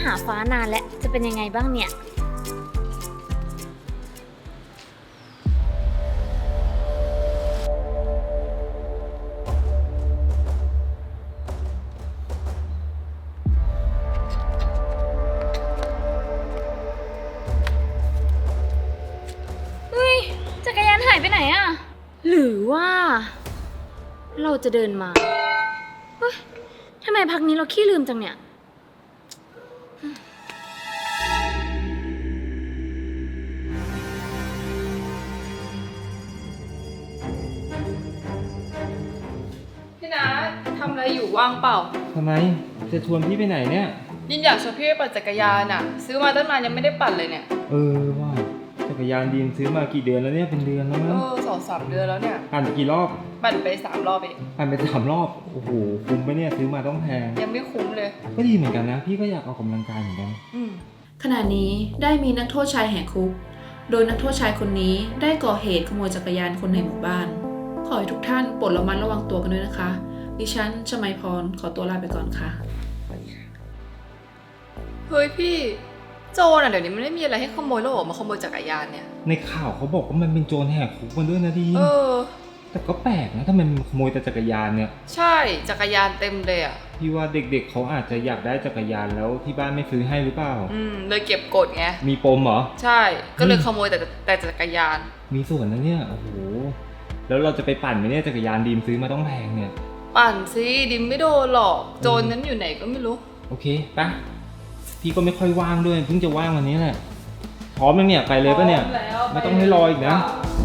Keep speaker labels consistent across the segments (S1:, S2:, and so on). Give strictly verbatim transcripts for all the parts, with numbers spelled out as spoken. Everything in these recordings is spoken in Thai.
S1: หาฟ้านานแล้วจะเป็นยังไงบ้างเนี่ยเฮ้ยจักรยานหายไปไหนอะหรือว่าเราจะเดินมาเฮ้ยทำไมพักนี้เราขี้ลืมจังเนี่ย
S2: พี่นัททำอะไรอยู่ว่างเปล่า
S3: ทำไมจะชวนพี่ไปไหนเนี่ย
S2: ยินอยากชวนพี่ไปปั่นจักรยานอ่ะซื้อมาตั้งนานยังไม่ได้ปั่นเลยเนี่ย
S3: เออว่าจักรยานดีมซื้อมากี่เดือนแล้วเนี่ยเป็นเดือนแล้วมั้ง
S2: เออสองสามเดือนแล้วเนี่ย
S3: ปั่นกี่รอบ
S2: ปั่นไปสามรอบเอง
S3: ปั่นไปสามรอบโอ้โหคุ้มไปเนี่ยซื้อมาต้องแพง
S2: ยังไม่คุ้มเลย
S3: ก็ดีเหมือนกันนะพี่ก็อยากออกกำลังกายเหมือนกัน
S4: ขณะนี้ได้มีนักโทษชายแหกคุกโดยนักโทษชายคนนี้ได้ก่อเหตุขโมยจักรยานคนในหมู่บ้านขอให้ทุกท่านโปรดระมัดระวังตัวกันด้วยนะคะดิฉันชมัยพรขอตัวลาไปก่อนค่ะ
S2: เฮ้ยพี่โจรอ่ะเดี๋ยวนี้มันไม่มีอะไรให้ขโมยแล้วออกมาขโมยจักรยานเนี่ย
S3: ในข่าวเขาบอกว่ามันเป็นโจรแหกคุกมาด้วยนะดี
S2: เออ
S3: แต่ก็แปลกนะทำไมมันขโมยแต่จักรยานเนี่ย
S2: ใช่จักรยานเต็มเลยอ่ะ
S3: พี่ว่าเด็กๆเขาอาจจะอยากได้จักรยานแล้วที่บ้านไม่ซื้อให้หรือเปล่า
S2: อืมเลยเก็บกดไง
S3: มีปมเหรอ
S2: ใช่ก็เลยขโมยแต่แต่จักรยาน
S3: มีส่วนนะเนี่ยโอ้โหแล้วเราจะไปปั่นไหมเนี่ยจักรยานดีมซื้อมาต้องแพงเนี่ย
S2: ปั่นสิดิมไม่โดนหรอกโจรนั้นอยู่ไหนก็ไม่รู้
S3: โอเคปะพี่ก็ไม่ค่อยว่างด้วยเพิ่งจะว่างวันนี้แหละพร้อมแล้วเนี่ยไปเลยปะเนี่ยไม่ต้องให้รออีกนะ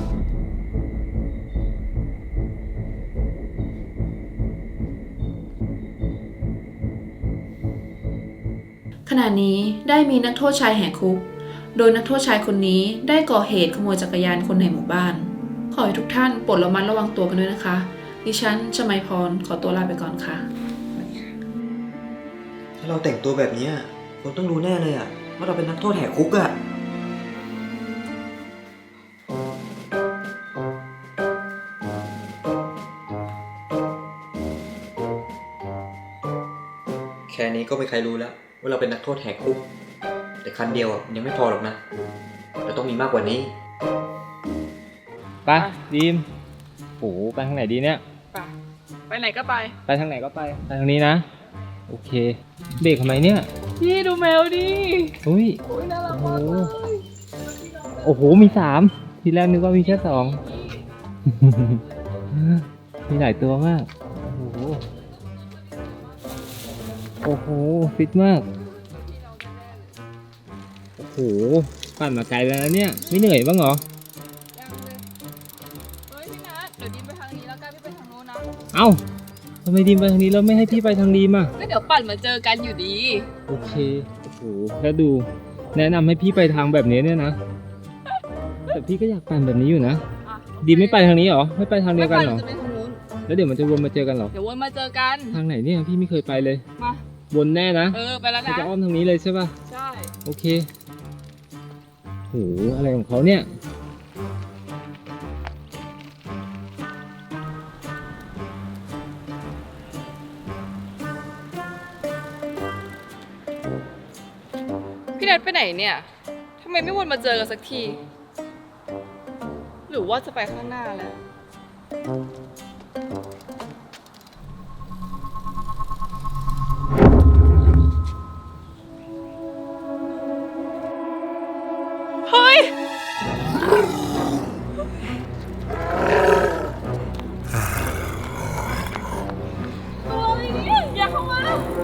S4: ขณะนี้ได้มีนักโทษชายแหกคุกโดยนักโทษชายคนนี้ได้ก่อเหตุขโมยจักรยานคนในหมู่บ้านขอให้ทุกท่านโปรดระมัดระวังตัวกันด้วยนะคะดิฉันชมัยพรขอตัวลาไปก่อนค่ะ
S5: ถ้าเราแต่งตัวแบบนี้คนต้องรู้แน่เลยอะว่าเราเป็นนักโทษแหกคุกอะแค่นี้ก็ไม่ใครรู้แล้วว่าเราเป็นนักโทษแหกคุกแต่คันเดียวยังไม่พอหรอกนะเราต้องมีมากกว่านี้
S3: ไปดีมโอ้ไปทางไหนดีเนี่ย
S2: ไปไปไหนก็ไป
S3: ไปทางไหนก็ไปไปทางนี้นะโอเคเบรกทำไมเนี่ย
S2: พี่ดูแมวดิ
S3: อุ้ย
S2: น่ารักมากเลย
S3: โอ้โหมีสามทีแรกนึกว่ามีแค่สองมีหลายตัวมากโอ้โหโอ้โหฟิตมากโอ้โหปั่นมาไกลแล้วนะเนี่ยไม่เหนื่อยบ้างเหรอ
S2: เฮ้ยพี่นัทเดี๋ยวดิมไปทางนี้แล้วกันพี่ไปทางโน้นนะ
S3: เอ้าทำไมดีมไปทางนี้แล้วไม่ให้พี่ไปทางดีมอ่ะ
S2: ก็เดี๋ยวปั่นมาเจอกันอยู่ดี
S3: โอเคโอ้โหแล้วดูแนะนำให้พี่ไปทางแบบนี้เนี่ยนะแต่พี่ก็อยากปั่นแบบนี้อยู่นะดีมไม่ไปทางนี้เหรอไม่ไปทางเดียวกันเหรอแล้วเดี๋ยวมันจะวนมาเจอกันเหรอ
S2: เดี๋ยววนมาเจอกัน
S3: ทางไหนเนี่ยพี่ไม่เคยไปเลย
S2: มา
S3: วนแน่นะ
S2: เออไปแล้วนะ
S3: จะอ้อมทางนี้เลยใช่ป่ะ
S2: ใช่
S3: โอเคโหอะไรของเขาเนี่ย
S2: พี่นัทไปไหนเนี่ยทำไมไม่วนมาเจอกันสักทีหรือว่าจะไปข้างหน้าแล้วเฮ้ยอะไรเนี่ยอย่าเข้ามา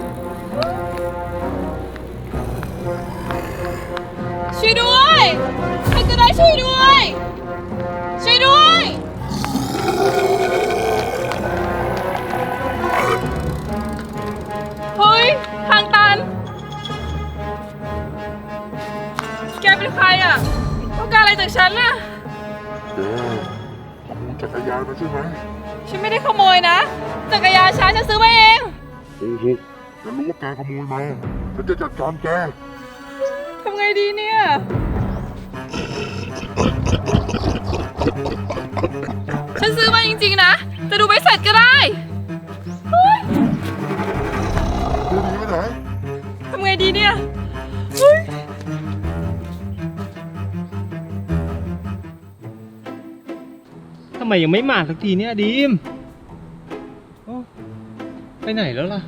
S2: ช่วยด้วยใครก็ได้ช่วยด้วยช่วยด้วยเฮ้ยทางตันแกเป็นใครอ่ะต้องการอะไรจากฉันน่ะ
S6: แกขโมยจักรยานมาใช่ไหม
S2: ฉันไม่ได้ขโมยนะจักรยานฉันฉันซื้อมาเอง
S6: โอ้โหฉันรู้ว่าแกขโมยมาฉันจะจัดการแก
S2: ทำไงดีเนี่ยฉันซื้อมาจริงๆนะแต่ดูไม่เสร็จก็ได้
S6: เดี๋ยวหนีไปไหน
S2: ทำไงดีเนี่ย
S3: ำไมยังไม่มาสักทีเนี่ยดีมโอ้ไปไหนแล้วล่ะ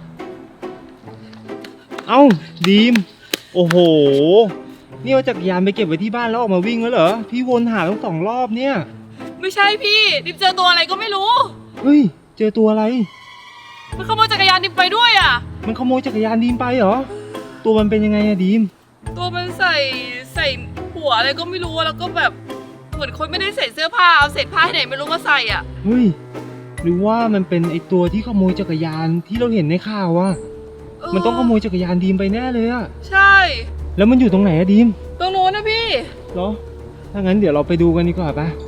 S3: เอ้าดีมโอ้โหนี่เอาจักรยานไปเก็บไว้ที่บ้านแล้วออกมาวิ่งแล้วเหรอพี่วนหาตั้งสองรอบเนี่ย
S2: ไม่ใช่พี่ดิมเจอตัวอะไรก็ไม่รู้
S3: เฮ้ยเจอตัวอะไร
S2: มันขโมยจักรยานดิมไปด้วยอ่ะ
S3: มันขโมยจักรยานดีมไปเหรอตัวมันเป็นยังไงอะดีม
S2: ตัวมันใส่ใส่หัวอะไรก็ไม่รู้อะแล้วก็แบบเหมือนคนไม่ได้ใส่เสื้อผ้าเอาเศษผ้าที่ไหนไม่รู้มาใส่อ่ะ
S3: เฮ้ยหรือว่ามันเป็นไอตัวที่ขโมยจักรยานที่เราเห็นในข่าวอะมันต้องขโมยจักรยานดีมไปแน่เลยอะ
S2: ใช่
S3: แล้วมันอยู่ตรงไหนอะดีม
S2: ตรงโน้นนะพี่
S3: เหรอถ้างั้นเดี๋ยวเราไปดูกันดีกว่าปะ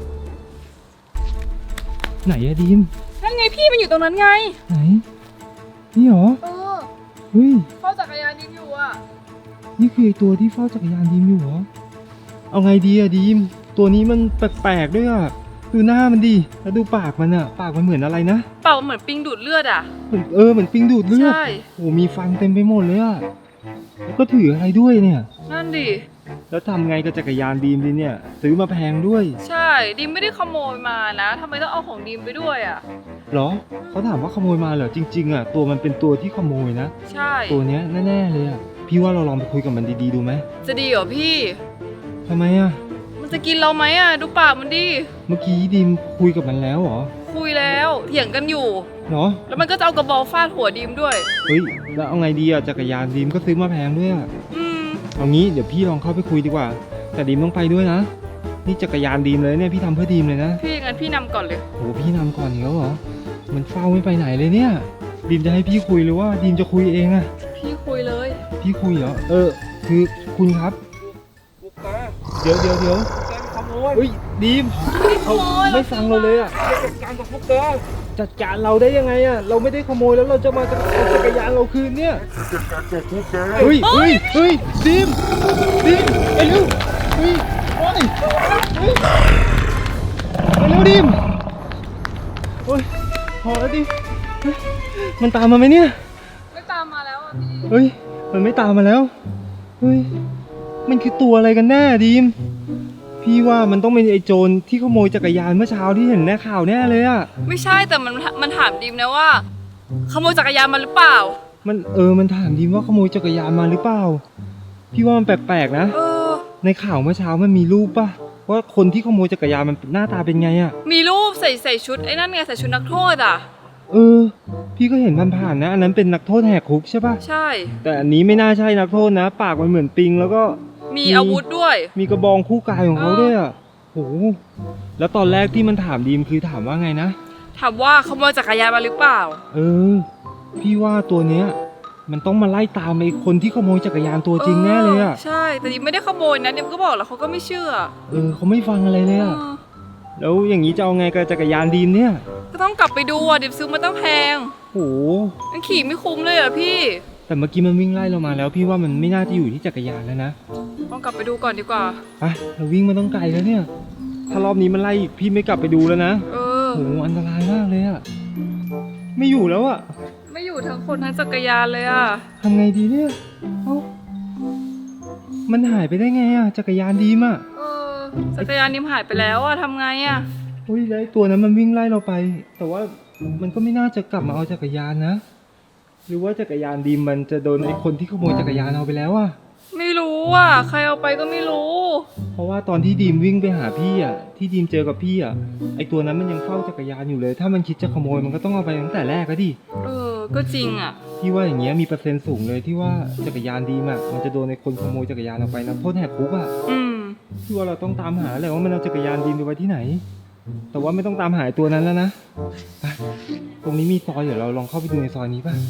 S3: ไหนอะดีม
S2: นั่นไงพี่มันอยู่ตรงนั้นไง
S3: ไหนนี่เหรอ
S2: เออ
S3: เฮ้ย
S2: เฝ้าจักรยานดิมอยู่อ่ะ
S3: นี่คือไอตัวที่เฝ้าจักรยานดีมอยู่เหรอเอาไงดีอะดีมตัวนี้มันแปลกๆด้วยอะดูหน้ามันดิแล้วดูปากมันอะปากมันเหมือนอะไรนะ
S2: เปล่าเหมือนปิงดูดเลือดอ่ะ
S3: เหมือนเออเหมือนปิงดูดเลือด
S2: ใช่
S3: โอ้มีฟันเต็มไปหมดเลยอะแล้วก็ถืออะไรด้วยเนี่ย
S2: นั่นดิ
S3: แล้วทำไงกับจักรยานดีมดีเนี่ยซื้อมาแพงด้วย
S2: ใช่ดิมไม่ได้ขโมยมานะทำไมต้องเอาของดิมไปด้วยอ่ะ
S3: เหรอเขาถามว่าขโมยมาเหรอจริงๆอะตัวมันเป็นตัวที่ขโมยนะ
S2: ใช่
S3: ตัวเนี้ยแน่ๆเลยอะพี่ว่าเราลองไปคุยกับมันดีๆดูไหม
S2: จะดีเหรอพี่
S3: ทำไมอะ
S2: มันจะกินเราไหมอ่ะดูปากมันดิ
S3: เมื่อกี้ดีมคุยกับมันแล้วเหรอ
S2: คุยแล้วเถียงกันอยู่
S3: เหรอ
S2: แล้วมันก็จะเอากระบอลฟาดหัวดิมด้วย
S3: เฮ้ยแล้วเอาไงดีอะจักรยานดีมก็ซื้อมาแพงด้วยอะ
S2: อืม
S3: เอางี้เดี๋ยวพี่ลองเข้าไปคุยดีกว่า แต่ดีมต้องไปด้วยนะนี่จักรยานดีมเลยเนี่ยพี่ทำเพื่อดีมเลยนะ
S2: พี่งั้นพี่นำก่อนเลย
S3: โหพี่นำก่อนอีกแล้วเหรอมันเฝ้าไม่ไปไหนเลยเนี่ยดีมจะให้พี่คุยหรือว่าดีมจะคุยเองอะ
S2: พี่คุยเลย
S3: พี่คุยเหรอเออคือคุณครับเดี๋ยวเดี๋ยวเดี๋ยวเฮ้ยดีมเขาไม่ฟังเราเลยอะจัดการกับพวกแกจัดการเราได้ยังไงอะเราไม่ได้ขโมยแล้วเราจะมาเอาจักรยานเราคืนเนี่ย
S6: จัดการกับพวกแก
S3: เฮ้ยเฮ้ยเฮ้ยดีมดีมไปเร็วเฮ้ยโอ้ยเฮ้ยไปเร็วดีมโอ้ยพอแล้วดิเฮ้ยมันตามมาไหมเนี่ย
S2: ไม่ตามมาแล้วอ่ะพี่
S3: เฮ้ยมันไม่ตามมาแล้วเฮ้ยมันคือตัวอะไรกันแน่ดีมพี่ว่ามันต้องเป็นไอ้โจรที่ขโมยจักรยานเมื่อเช้าที่เห็นในข่าวแน่เลยอะ
S2: ไม่ใช่แต่มันมันถามดิมนะว่า ขโมยจักรยานมาหรือเปล่า
S3: มันเออมันถามดีมว่าขโมยจักรยานมาหรือเปล่าพี่ว่ามันแปลกๆนะ
S2: เออ
S3: ในข่าวเมื่อเช้ามันมีรูปป่ะว่าคนที่ขโมยจักรยานมันหน้าตาเป็นไงอะ
S2: มีรูปใส่ใส่ชุดไอ้นั่นไงใส่ชุดนักโทษอ่ะ
S3: เออ พี่ก็เห็นผ่านๆนะอันนั้นเป็นนักโทษแหกคุกใช่ป่ะ
S2: ใช่
S3: แต่อันนี้ไม่น่าใช่นักโทษนะ ปากมันเหมือนปิงแล้วก็
S2: มีอาวุธด้วย
S3: มีกระบองคู่กายของเขา
S2: เออ
S3: ด้วยอะโหแล้วตอนแรกที่มันถามดีมคือถามว่าไงนะ
S2: ถามว่าขโมยจักรยานมาหรือเปล่า
S3: เออ พี่ว่าตัวเนี้ย มันต้องมาไล่ตามไอ้คนที่ขโมยจักรยานตัวจริงแน่เลยอะ
S2: ใช่แต่ดิมไม่ได้ขโมยนะดิมก็บอกแล้วเขาก็ไม่เชื่อ
S3: เออเขาไม่ฟังอะไรเลยอะ
S2: เออ
S3: แล้วอย่างนี้จะเอาไงกับจักรยานดีมเนี่ย
S2: ก็ต้องกลับไปดูอ่ะดิมซื้อมาตั้งแพง
S3: โห
S2: มันขี่ไม่คุ้มเลยอ่ะพี่
S3: แต่เมื่อกี้มันวิ่งไล่เรามาแล้ว พี่ว่ามันไม่น่าจะอยู่ที่จักรยานแล้วนะ
S2: ต้องกลับไปดูก่อนดีกว่า
S3: ไปเราวิ่งมาต้องไกลแล้วเนี่ย ถ้ารอบนี้มันไล่อีกพี่ไม่กลับไปดูแล้วนะ
S2: เออ
S3: โหอันตรายมากเลยอะไม่อยู่แล้วอะ
S2: ไม่อยู่ทั้งคนทั้งจักรยานเลยอ่ะ
S3: ทำไงดีเนี่ยเอ้ามันหายไปได้ไงอะจักรยานดีมอะ
S2: เออจักรยานดิมหายไปแล้วอ่ะทำไงอ่ะ
S3: เฮ้ยแล้วไอ้ตัวนั้นมันวิ่งไล่เราไป แต่ว่ามันก็ไม่น่าจะกลับมาเอาจักรยานนะ หรือว่าจักรยานดีมมันจะโดนไอ้คนที่ขโมยจักรยานเอาไปแล้วอะ
S2: ไม่รู้อ่ะใครเอาไปก็ไม่รู้
S3: เพราะว่าตอนที่ดีมวิ่งไปหาพี่อะที่ดีมเจอกับพี่อะไอ้ตัวนั้นมันยังเฝ้าจักรยานอยู่เลย ถ้ามันคิดจะขโมยมันก็ต้องเอาไปตั้งแต่แรกก็ดิ
S2: เออ ก็จริงอ่ะ
S3: พี่ว่าอย่างเงี้ยมีเปอร์เซ็นต์สูงเลยที่ว่าจักรยานดีมอะมันจะโดนในคนขโมยจักรยานออกไปนะโทษแหกคุกอะ
S2: อืม
S3: พี่ว่าเราต้องตามหาแหละว่ามันเอาจักรยานดีมไปไว้ที่ไหน แต่ว่าไม่ต้องตามหาตัวนั้นแล้วนะไปตรงนี้มีซอยเดี๋ยวเราลองเข้าไปดูในซอยนี้ป่ะ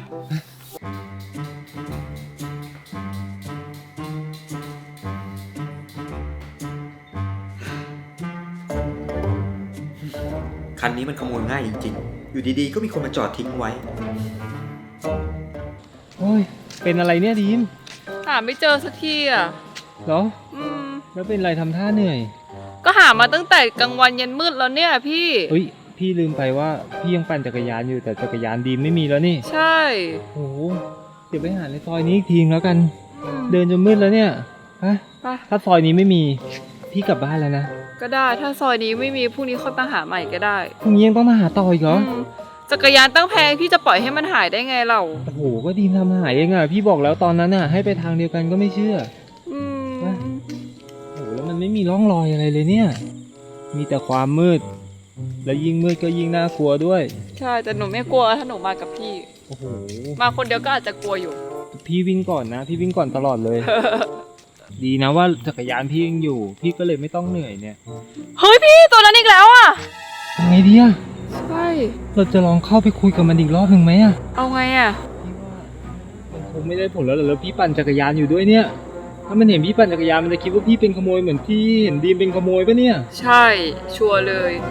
S5: คันนี้มันขโมยง่ายจริงๆ อยู่ดีๆ ก็มีคนมาจอดทิ้งไว้
S3: โอ้ยเป็นอะไรเนี่ยดีม
S2: หาไม่เจอสักทีอ่ะ
S3: เหรอ
S2: อืม
S3: แล้วเป็นอะไรทำท่าเหนื่อย
S2: ก็หามาตั้งแต่กลางวันยันมืดแล้วเนี่ยพี่
S3: เฮ้ยพี่ลืมไปว่าพี่ยังปั่นจักรยานอยู่แต่จักรยานดีมไม่มีแล้วนี่
S2: ใช่
S3: โอ้โหเดี๋ยวไปหาในซอยนี้อีกทีแล้วกัน
S2: อืม
S3: เดินจนมืดแล้วเนี่ยฮะ
S2: ไป
S3: ถ้าซอยนี้ไม่มี พพี่กลับบ้านแล้วนะ
S2: ก็ได้ถ้าซอยนี้ไม่มีพรุ่งนี้ค่อยมาหาใหม่ก็ได้
S3: พรุ่งนี้ยังต้องมาหาต่ออีกเหรอ
S2: อืมจักรยานตั้งแพงพี่จะปล่อยให้มันหายได้ไงเรา
S3: โอ้โหก็ดีมทำหายเองอ่ะพี่บอกแล้วตอนนั้นอ่ะให้ไปทางเดียวกันก็ไม่เชื่อ
S2: อืม
S3: ว่า โอ้โหแล้วมันไม่มีร่องรอยอะไรเลยเนี่ย มีแต่ความมืด แล้วยิ่งมืดก็ยิ่งน่ากลัวด้วย
S2: ใช่แต่หนูไม่กลัวถ้าหนูมากับพี่
S3: โอ้โห
S2: มาคนเดียวก็อาจจะกลัวอยู่
S3: พี่วิ่งก่อนนะ พี่วิ่งก่อนตลอดเลย ดีนะว่าจักรยานพี่ยังอยู่ พี่ก็เลยไม่ต้องเหนื่อยเนี่ย
S2: เฮ้ยพี่ตัวนั้นอีกแล้วอ่ะ
S3: ทำไงดีอะ
S2: ใช่
S3: เราจะลองเข้าไปคุยกับมันอีกรอบหนึ่งไหมอะ
S2: เอาไงอ่ะ
S3: พี่ว่ามันคงไม่ได้ผลแล้วเหรอแล้วพี่ปั่นจักรยานอยู่ด้วยเนี่ย ถ้ามันเห็นพี่ปั่นจักรยานมันจะคิดว่าพี่เป็นขโมยเหมือนพี่เห็นดีมเป็นขโมยปะเนี่ย
S2: ใช่ชัวร์เลย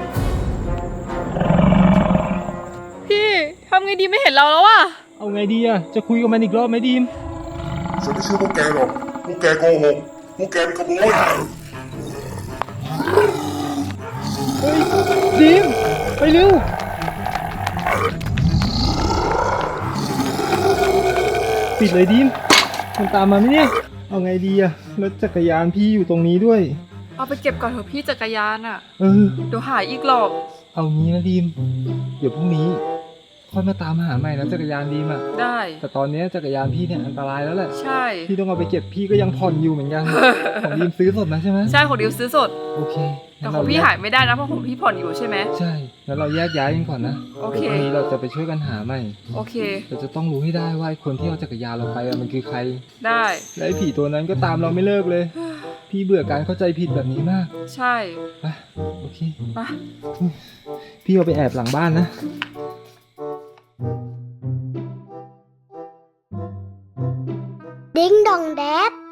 S2: พี่ทำไงดีไม่เห็นเราแล้วอ่ะ
S3: เอาไงดีอะจะคุยกับมันอีกรอบไหมดีม
S6: ฉันไม่เชื่อพวกแกหรอก พวกแกโกหก พวกแกเป็นขโมย
S3: เฮ้ยดีมไปเร็วปิดเลยดีมมันตามมาไหมเนี่ยเอาไงดีอะรถจักรยานพี่อยู่ตรงนี้ด้วย
S2: เอาไปเก็บก่อนเถอะพี่จักรยานอ่ะ
S3: เออ
S2: เดี๋ยวหายอีกหรอก
S3: เอางี้นะดีมเดี๋ยวพรุ่งนี้ค่อยมาตามหาใหม่นะจักรยานดีมอะ
S2: ได้
S3: แต่ตอนนี้จักรยานพี่เนี่ยอันตรายแล้วแหละ
S2: ใช่
S3: พี่ต้องเอาไปเก็บพี่ก็ยังผ่อนอยู่เหมือนกัน ของดีมซื้อสดนะใช่ไหม
S2: ใช่ของดิวซื้อสด
S3: โอเค
S2: แต่
S3: งั้น
S2: ข
S3: เร
S2: องพี่
S3: แก
S2: หายไม่ได้นะเพราะของพี่ผ่อนอยู่ใช่ไหม
S3: ใช่แล้วเราแยกย้ายกันก่อนนะ
S2: โอเค
S3: ดี๋ยวพรุ่งนี้เราจะไปช่วยกันหาใหม่
S2: โอเค
S3: เราจะต้องรู้ให้ได้ว่าไอ้คนที่เอาจักรยานเราไปอะมันคือใคร
S2: ได้
S3: และไอ้ผีตัวนั้นก็ตามเราไม่เลิกเลย พี่เบื่อการเข้าใจผิดแบบนี้มาก
S2: ใช่
S3: ไปโอเค
S2: ไป
S3: พี่เอาไปแอบหลังบ้านนะ
S7: Ding dong dad.